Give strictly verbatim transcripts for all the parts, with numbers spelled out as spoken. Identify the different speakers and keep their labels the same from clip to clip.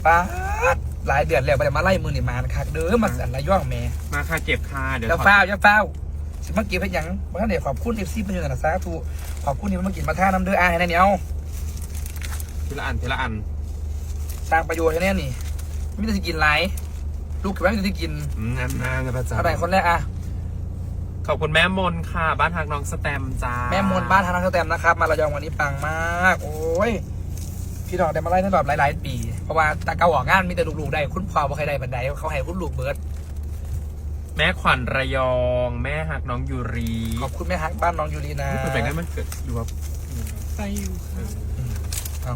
Speaker 1: ป้าหลายเดือนแล้วไปมาไล่มือนี่มาคักเด้อมาสั่นระย่องแม่
Speaker 2: มาค่ะเจ็บค่ะเดี๋ยว
Speaker 1: จะเฝ้าจะเฝ้าสิมากินเป็นยังเมื่อเดี๋ยวขอบคุณเอฟซีเป็นยังไงนะสาธุขอบคุณที่มากินมาท่าน้ำเด้ออาให้แน่เนี่ยเอา
Speaker 2: ทีละอันทีละอัน
Speaker 1: สร้างประโยชน์ให้แน่นี่ไม่ได้จะกินไรลูกกับแม่ไม่ได้กิน
Speaker 2: งานงานนะพระเจ้า
Speaker 1: อะไรคนแรกอะ
Speaker 2: ขอบคุณแม่มนค่ะบ้านทางน้องสแตมจ้า
Speaker 1: แม่มนบ้านทางน้องสแตมนะครับมาระยองวันนี้ปังมากโอ้ยพี่น้องได้มาไล่ตั้งแบบหลายๆปีเพราะว่าตาเก่าออกงานมีแต่ลูกๆได้คุณพ่อบ่ใครได้บันไดเขาให้คุณลูกเบิร์ด
Speaker 2: แม่ขวัญระยองแม่หักน้องยูรี
Speaker 1: ขอบคุณแม่ฮักบ้านน้องยูรีนะ
Speaker 2: เป็นแบบนั้นมันเกิดอยู่ว่าไปอยู่ค่ะ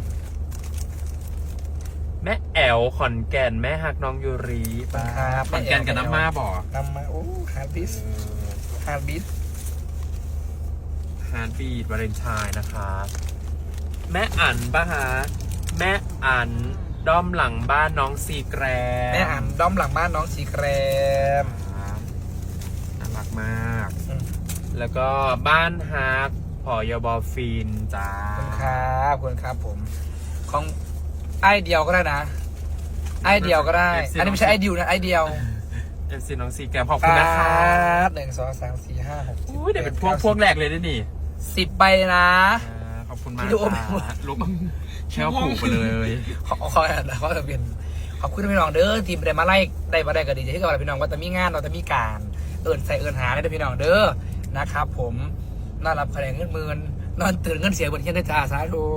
Speaker 2: แม่แอลขอนแก่นแม่หักน้องยูรีขอนแก่นกับน้ำมาบ่อ
Speaker 1: น้ำมาโอ้ฮาร์ดบิสฮาร์ดบิส
Speaker 2: ฮาร์ดบีดวาเลนไทน์นะคะแม่อั๋นป่ะฮะแม่อั๋นด้อมหลังบ้านน้องซีแกรม
Speaker 1: แม่อั๋นด้อมหลังบ้านน้องซีแกรม
Speaker 2: น่ารักมากแล้วก็บ้านฮักพอยบอฟินจ้า
Speaker 1: ขอบคุณครับขอบคุณครับผมของไอเดียวก็ได้นะไอเดียวก็ได้อันนี้ไม่ใช่ไอเดียวนะไอเดียว
Speaker 2: เอฟซีน้องซีแกรมขอบคุณนะครับ
Speaker 1: หนึ่งสองสามสี่ห้าหก
Speaker 2: อุ้ยเดี๋ยวเป็นพวกพวกแรกเลยด้วยนี่
Speaker 1: สิบใบนะ
Speaker 2: ขอบคุณมากลุกแช่ผูกไปเลย
Speaker 1: ขอขอขอจะเป็นขอบคุณพี่น้องเด้อทีมได้มาไล่ได้มาได้ก็ดีใจที่กับพี่น้องว่าจะมีงานเราจะมีการเอิญใส่เอิญหาได้พี่น้องเด้อนะครับผมน่ารับคะแนนเงินหมื่นนอนตื่นเงินเสียบนเทียนได้จ่าสาธุ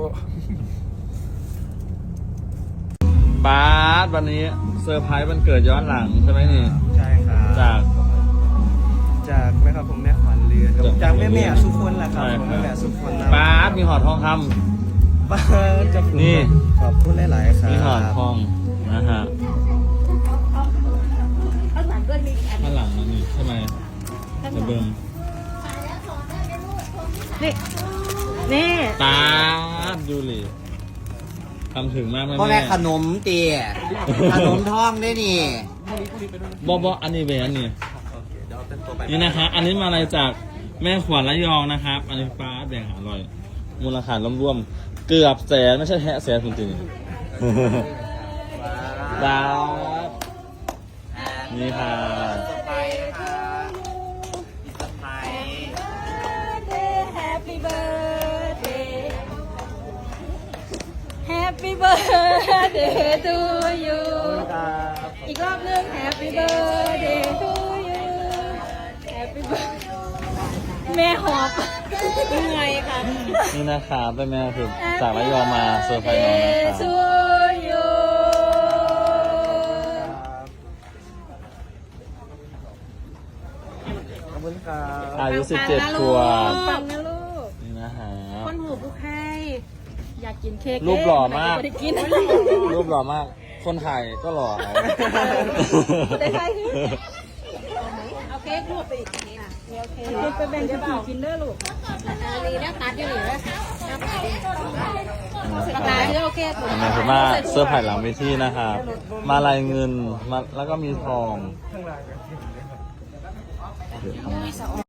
Speaker 3: บาสวันนี้เซอร์ไพรส์วันเกิดย้อนหลังใช่ไหมนี่
Speaker 4: ใช่ครับ
Speaker 3: จาก
Speaker 4: จากแม่ครับผมแม่ขวัญเรือนจากแม่แม่สุคนแหละครับแม่แม่สุคน
Speaker 3: บาสมีหอดทองคำ
Speaker 4: บาสจะ
Speaker 3: นี่
Speaker 4: ขอบคุณหลายๆครับ
Speaker 3: มีหอดทองนะฮะข้างหลังก็มีข้างหลังมันนี่ใช่ไหมจะเบิ่ม
Speaker 5: นี่นี่
Speaker 3: ตาดูเลยทำถึงมากไหม
Speaker 6: พ่อแม่ขนมเตี๋ยขนมท้องได้นี่
Speaker 3: บอบออันนี้เบอันนี้นี่นะคะอันนี้มาอะไรจากแม่ขวัญระยองนะครับอันนี้ฟ้าแดงอร่อยมูลค่ารวมๆเกือบแสนไม่ใช่แค่แสนจริงๆดาวนี่ค่ะ
Speaker 5: Happy birthday to you อีกรอบนึง Happy birthday to you Happy birthday แม่หอบยังไงคะ
Speaker 3: นี่นะคะเป็นแม่คือจากระยองมาเซอร์ไพรส์น้องนะคะ
Speaker 4: ขอบคุณครับ
Speaker 3: อายุสิบเจ็ดขวบ
Speaker 5: ปังนะลูก
Speaker 3: นี่นะฮะ
Speaker 5: คนหูผู้ให้อยากกินเค้ก
Speaker 3: รูปหล่อมากรูปหล่อมากคนถ่ายก็หล่อ
Speaker 5: ได้ใช่เอาเค้กรูปไปอีกอ่ะโอเคไปแบ่งจะผีกินเด้อลูกนี่นะตัดอยู่นี่นะตัดโอเคถูก
Speaker 3: นี่คือมาเสื้อผ้าหลังเวทีนะครับมาลายเงินมาแล้วก็มีทอง